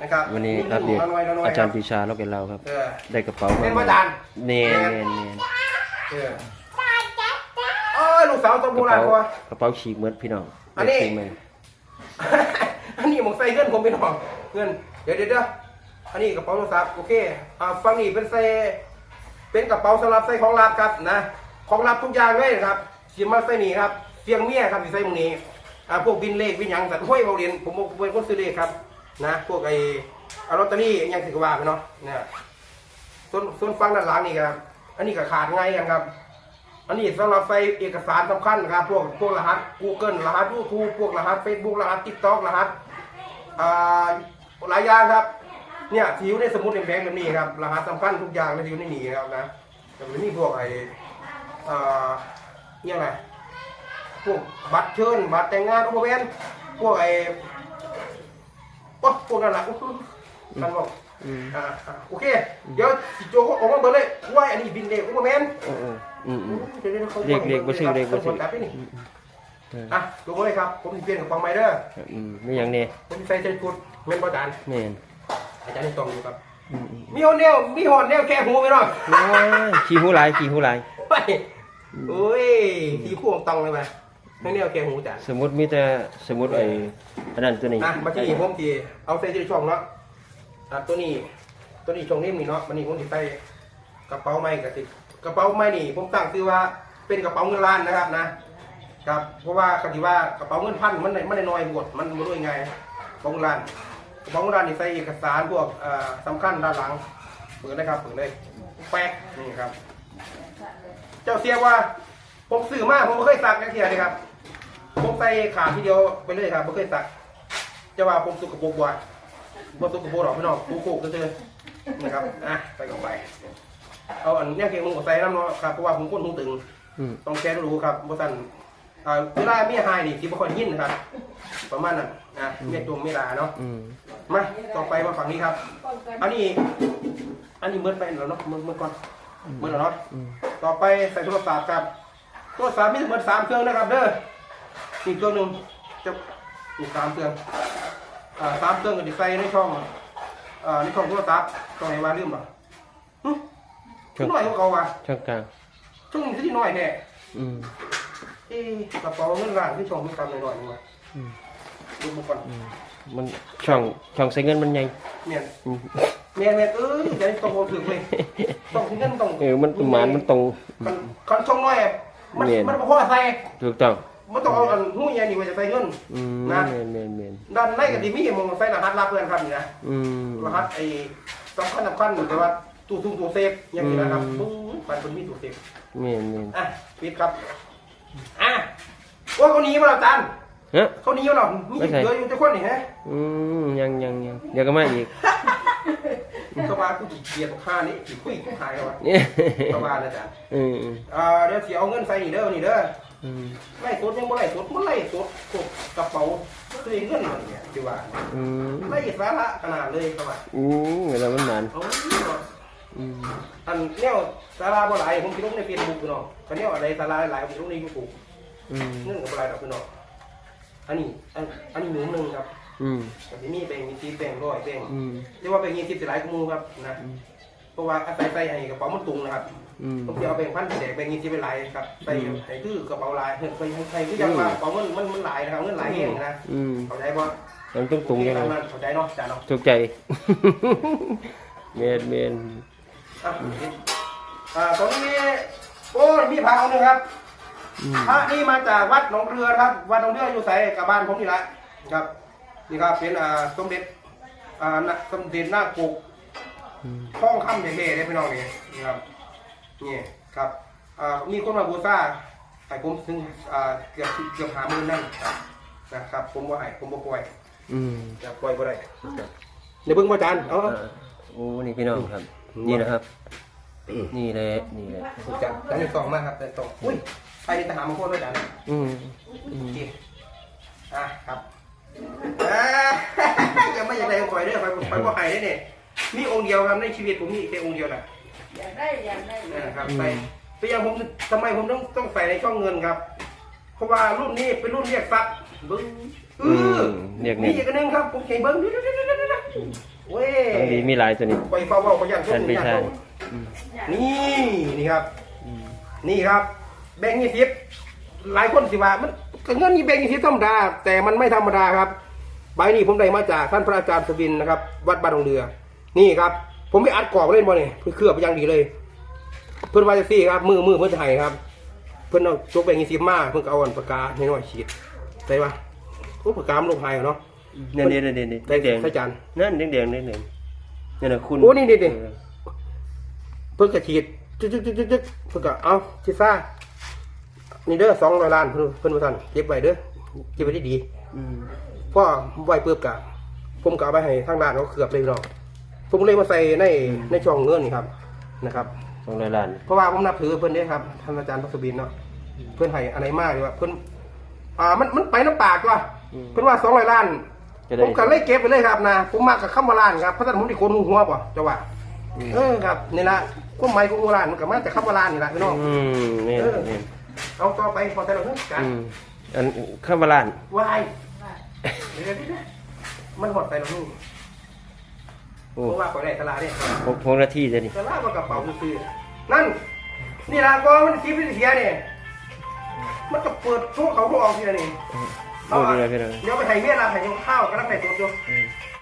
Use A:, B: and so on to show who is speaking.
A: นะครับ
B: วันนี้ครับเด็กอาจารย์ปีชาเราเป็นเราครับได้กระเป๋า
A: เป็นอาจารย์
B: เนียน
A: ลูกสาวตัวโบราณ
B: กระเป๋าฉีกเหมือนพี่น้อง
A: อันนี้ผมใส่เงินผมเป็นหองเงินเดี๋ยวอันนี้กระเป๋าโทรศัพท์โอเคฝั่งนี้เป็นใส่เป็นกระเป๋าสำหรับใส่ของลับครับนะของลับทุกอย่างเลยครับสิมาใส่นี่ครับเสียงเมียครับที่ใส่ตรงนี้พวกบินเลขบินยังแต่ห้วยเบาเรียนผมเป็นคนซื้อเลขครับนะพวกไอ้ลอตเตอรี่ยังถือว่าไปเนาะเนี่ยส่วนฟังด้านหลังนี่ครับอันนี้ก็ขาดง่ายกันครับอันนี้สำหรับใส่เอกสารสำคัญครับพวกรหัส Google รหัส YouTube พวกรหัส Facebook รหัส TikTok รหัสหลายอย่างครับเนี่ยที่อยู่ในสมุดแดงแบบนี้ครับรหัสสำคัญทุกอย่างเลยที่อยู่ในนี้ครับนะแต่ไม่มีพวกไอ้เนี่ยอะไรพวกบัตรเชิญบัตรแต่งงานอุปเวนพวกไอ้พวกนั่นแหละท่านบอกโอเคเดี๋ยวโจก็ออกมาเบอร์เลยว่าอันนี้บินเด็กอุปเวน
B: เด็กบ่ซื้อเด็กบ่ซื้อ
A: ลงเลยครับผมจะเปลี่ยนกับฟองไมเดอร์
B: ไม่อย่างนี้
A: ผมจะใส่เส้นกุดเงินประจาน
B: นี่
A: อาจารย์นี่ตรงอยู่ครับมีหอนแนวแค่หูไปหน่อย
B: ขี้หูไหล
A: ไปโอ้ยขี้คู่ตรงเลยไหมไม่แนวแค่หูจ้ะ
B: สมมติมีแต่สมมติไอ้อันนั้นตัวนี้
A: มาที่นี่ผมทีเอาใส่ช่องเนาะตัวนี้ช่องนี้นี่เนาะมันนี่ผมติดใส่กระเป๋าไม้กับติดกระเป๋าไม้นี่ผมตั้งชื่อว่าเป็นกระเป๋าเงินล้านนะครับนะครับเพราะว่าคำที่ว่ากระเป๋าเงินพันมันได้น้อยบวชมันมาด้วยไงกระเป๋าเงินล้านกระเป๋าเงินล้านนี่ใส่เอกสารพวกสำคัญด้านหลังเปิดนะครับเปิดเลยแป๊กนี่ครับเจ้าเสียว่าผมซื้อมาผมไม่เคยซักนักเทียเลยครับผมใส่ขาทีเดียวไปเลยครับไม่เคยซักจะว่าผมสุกกระโปรงบ่อยบ่สุกกระโปรงหรอกพี่น้องโค้งๆเฉยๆนะครับใส่เข้าไปเอาอันนี้เก่งมึงก็ใส่น้ำเนาะครับเพราะว่าผมก้นหูตึงต้องแก้รู้ครับบ่สั่นเวลาเมียหายนี่สิบ่ค่อยยินนะครับประมาณนั้นเมียตัวเมียลาเนาะมาต่อไปมาฝั่งนี้ครับอันนี้เมื่อไปแล้วเนาะเมื่อก่อนเมื่อแล้วเนาะต่อไปใส่โทรศัพท์ครับโทรศัพท์มีทั้งหมด3เครื่องนะครับเด้ออีกเครื่องนึงจะอีก3เครื่อง3เครื่องก็จะใส่ในช่องโทรศัพท์ตรงไหนมาลืมหรอน้อยกว่าเก่าว่ะ
B: ช่องกลาง
A: ช่องที่น้อยแน่กระเป๋าเงินล้านที่ช่องมันต่ำหน่อยนึงว่ะดูมาก่อน
B: มันช่องใส่เงินมันใหญ่
A: เนี่ยใจตรงถึงเลยต้องเงินตรง
B: มันประมาณมันตรง
A: คันช่องน้อยมันพอใส่
B: ถูกต้อง
A: มันต้องเอาหู้ยันนี่ว่าจะใส่เงินนะด้านในกับดีมี่มองใส่รหัสลับเพื่อนครับนี่นะรหัสไอ้สำคัญแต่ว่าตู้เซฟอย่างนี้นะครับปันเป็นมีตู้เซฟปิดครับว่าเขาหนีมาแล้วจันเขาหนีมาแล้วมีเหลืออยู่จะคนนี่ฮะ
B: ยังเดี๋ยวก็มาอีก
A: เขาว่ากูเกลียดข้านี่ขี้คุยหายแล้ววะเขาว่านะจ๊ะเดี๋ยวเสียเอาเงินใส่นี่เด้อไล่สดยังบ่ไล่สดมันไล่สดกระเป๋าตัวเงินเนี่ยดีว่าไล่สาระขนาดเลยเขาว่า
B: แล้วมันมัน
A: อันเนี้ยสาราบ่หลายผมคิดลงในเฟซบุ๊กพี่น้องอันเนี้ยอะไรสาราหลายผมคิดลงในยูทูบเรื่องกับอะไรดอกพี่น้องอันนี้หนึ่งครับแต่นี่แบ่งมี10แบ่ง100แบ่งเรียกว่าแบ่ง20สิหลายกมูครับนะเพราะว่าใส่ให้กระเป๋ามันตุงนะครับผมจะเอาแบ่ง1,000แบ่ง20เป็นหลายครับใส่ให้คือกระเป๋าลายใส่คือจังว่ากระเป๋ามันหลายนะครับเงินหลายเองนะเข้าใจป่ะ
B: มันต้องตุงยังไง
A: เข้าใจเนาะจ้าเนาะ
B: ถูกใจเมน
A: ตรงนี้โอ้มีพระองค์นึงครับพระนี่มาจากวัดหนองเรือครับวัดหนองเรืออยู่ใส่กับบ้านผมนี่แหละครับนี่ครับเป็นสมเด็จหน้าปุกท้องคำเท่ๆได้พี่น้องนี่ครับนี่ครับมีคนมาบูชาให้ผมถึงเกือบ50,000นั่นนะครับผมว่าให้ผมบ่ปล่อยจะปล่อยบ่ได้เดี๋ยวเพิ่งมาจาน
B: โอ้นี่พี่น้องครับนี่นะครับนี่แหละ
A: จัดแล้วนี่ตองมากครับแต่ตองอุ้ยไปในทหารมาโคตรด้วยจันครับยังไม่อยากได้คอยด้วยไปว่าใครได้เนี่ยมีองค์เดียวครับในชีวิตผมมีแค่องค์เดียวนะ
C: อยากได้
A: ครับใส่แต่ยังผมทำไมผมต้องใส่ในช่องเงินครับเพราะว่ารุ่นนี้เป็นรุ่นเรียกทรัพย์บึ้งนี่อีกนึงครับผมเขียนเบิ้งเว้ย
B: ของดีมีหลายตัวนี้
A: ไปเฝ้าเขายัน
B: ท่านพี่ชาย
A: นี่ครับ นี่ครับ แบงค์20หลายคนสิว่ามันเงินนี่แบงค์20ธรรมดา แต่มันไม่ธรรมดาครับใบนี้ผมได้มาจากท่านพระอาจารย์สุบินนะครับ วัดบ้านดงเรือ นี่ครับ ผมไปอัดกรอบเล่นบ่เนี่ยเพื่อเคลือบไปอย่างดีเลย เพื่อนวาจะซี่ครับมือเพื่อนจะให้ครับ เพื่อนเอาจกแบงค์20มาเพื่อนก็เอาอันปากกาให้น้อยฉีดใช่ปะโอ้ปากกามันลงไห้เนาะ
B: เนี่ย
A: ใส่
B: แดง
A: ใส่จาน
B: นั่นแดงนี่นะคุณ
A: โอ้นี่เพิ่งกระฉีดจึ๊กเพิ่งก็เอาชิซ่านี่เด้อ200 ล้านเพิ่นมาทันเก็บไว้เด้อเก็บไว้ดี พ่อไว้เปื้อบกะผมก็เอาไปให้ทางร้านเขาเกือบเลยเนาะผมเลยมาใส่ในช่องเงินนี่ครับนะครับ
B: 200 ล้าน
A: เพราะว่าผมนับถือเพิ่นเด้ครับท่านอาจารย์พักบินเนาะเพิ่นให้อะไรมากเลยว่าเพิ่นมันไปน้ำปากว่ะเพิ่นว่า200 ล้านผมก็เลยเก็บไปเลยครับนะผมมากับคำว่าล้านครับเพราะฉะนั้นผมที่คนหัวป่ะจะว่าครับนี่ละความหมายของล้านมันก็มาจากคำว่าล้านนี่แหละพี่น้อง
B: นี่
A: เอาต่อไปพอแต่เราเพิ่งกัน
B: อันข้าวบาลาน
A: วายเดี๋ยวมันหดไปแล้วนี่
B: โอ้
A: เพราะว่าไปได้ตลาดเนี่ย
B: 6 นาทีจะนี่
A: ตลาดมันกระเป๋าซื้อนั่นนี่ละก็มันคลิปที่เสียเนี่ยมันก็เปิดช่วงเขาพวกออกทีละนี่
B: โอ้ดีเลยพี่น้อง
A: เดี๋ยวไปให้เมียเราให้ข้าวก็รับไปตัว